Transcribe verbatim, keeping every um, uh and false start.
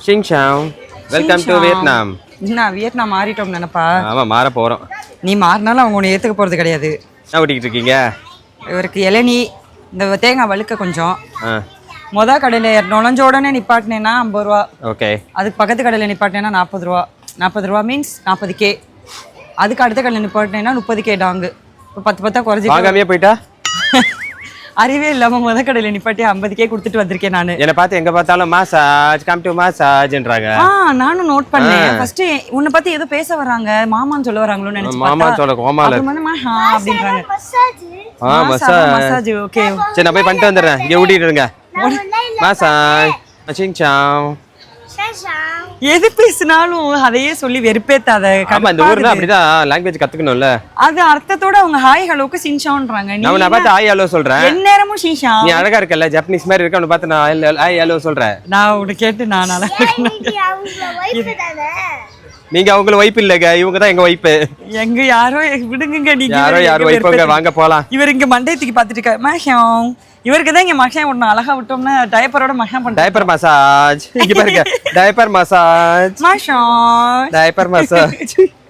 Xing Chao. Welcome to Vietnam. நான் Vietnam மாறிட்டோம் நினைப்பா. ஆமா மாற போறோம். நீ மாறினாலும் அவங்க உன்னை ஏத்துக்க போறது கிடையாது. என்ன ஓட்டிட்டு இருக்கீங்க? இவருக்கு இளநீ இந்த தேங்காய் வழுக்க கொஞ்சம். ஆ. மொத கடையில் நுழைஞ்ச உடனே நிப்பாட்டினேன்னா ஐம்பது ரூபா. ஓகே. அதுக்கு பக்கத்து கடையில் நிப்பாட்டினேன்னா நாற்பது ரூபா. நாற்பது ரூபா மீன்ஸ் நாற்பது கே. அதுக்கு அடுத்த கடையில் நிப்பாட்டினேன்னா முப்பது கே டாங்கு. இப்போ பத்து பத்தா குறைஞ்சி வாங்காமையே போயிட்டா? அறிவே இல்லாம முத கடையில் நிப்பாட்டி ஐம்பது கே கொடுத்துட்டு வந்திருக்கேன் நான். என்ன பார்த்து எங்க பார்த்தாலும் மாசாஜ் கம் டு மாசாஜ்ன்றாங்க. ஆ நானும் நோட் பண்ணேன். ஃபர்ஸ்ட் உன்னை பத்தி ஏதோ பேச வராங்க, மாமான்னு சொல்ல வராங்களோன்னு நினைச்சு மாமா சொல்ல கோமால மஹா அப்படின்றாங்க. ஆ மசாஜ் மசாஜ் ஓகே. சரி நான் போய் பண்ணிட்டு வந்துடுறேன். இங்க ஓடிட்டு இருங்க. Massage Xing Chao. எது பேசினாலும் அதையே சொல்லி வெறுப்பேத்தாத. ஆமா இந்த ஊர்ல அப்படிதான் லாங்குவேஜ் கத்துக்கணும்ல. அது அர்த்தத்தோட அவங்க ஹாய் ஹலோக்கு சின்சான்றாங்க. நீ நான் பார்த்து ஹாய் ஹலோ சொல்றேன். எந்நேரமும் ஷீஷா. நீ அழகா இருக்கல்ல ஜப்பனீஸ் மாதிரி இருக்க. உன்னை பார்த்து நான் ஹாய் ஹலோ சொல்றேன். நான் உன்னை கேட்டு நான் அழகா நீங்க அவங்கள வைப் இல்லங்க, இவங்க தான் எங்க வைப். எங்க யாரோ விடுங்க நீங்க. யாரோ யாரோ வைப்பங்க, வாங்க போலாம். இவர் இங்க மண்டையத்துக்கு பாத்துட்டு இருக்காரு. மஹம் இவருக்கு தான் இங்க மஹம் ஒண்ணு அழகா விட்டோம்னா டைப்பரோட மஹம் பண்றாங்க. Diaper massage. இங்க பாருங்க டைப்பர் மசாஜ். மஹம் டைப்பர் மசாஜ்.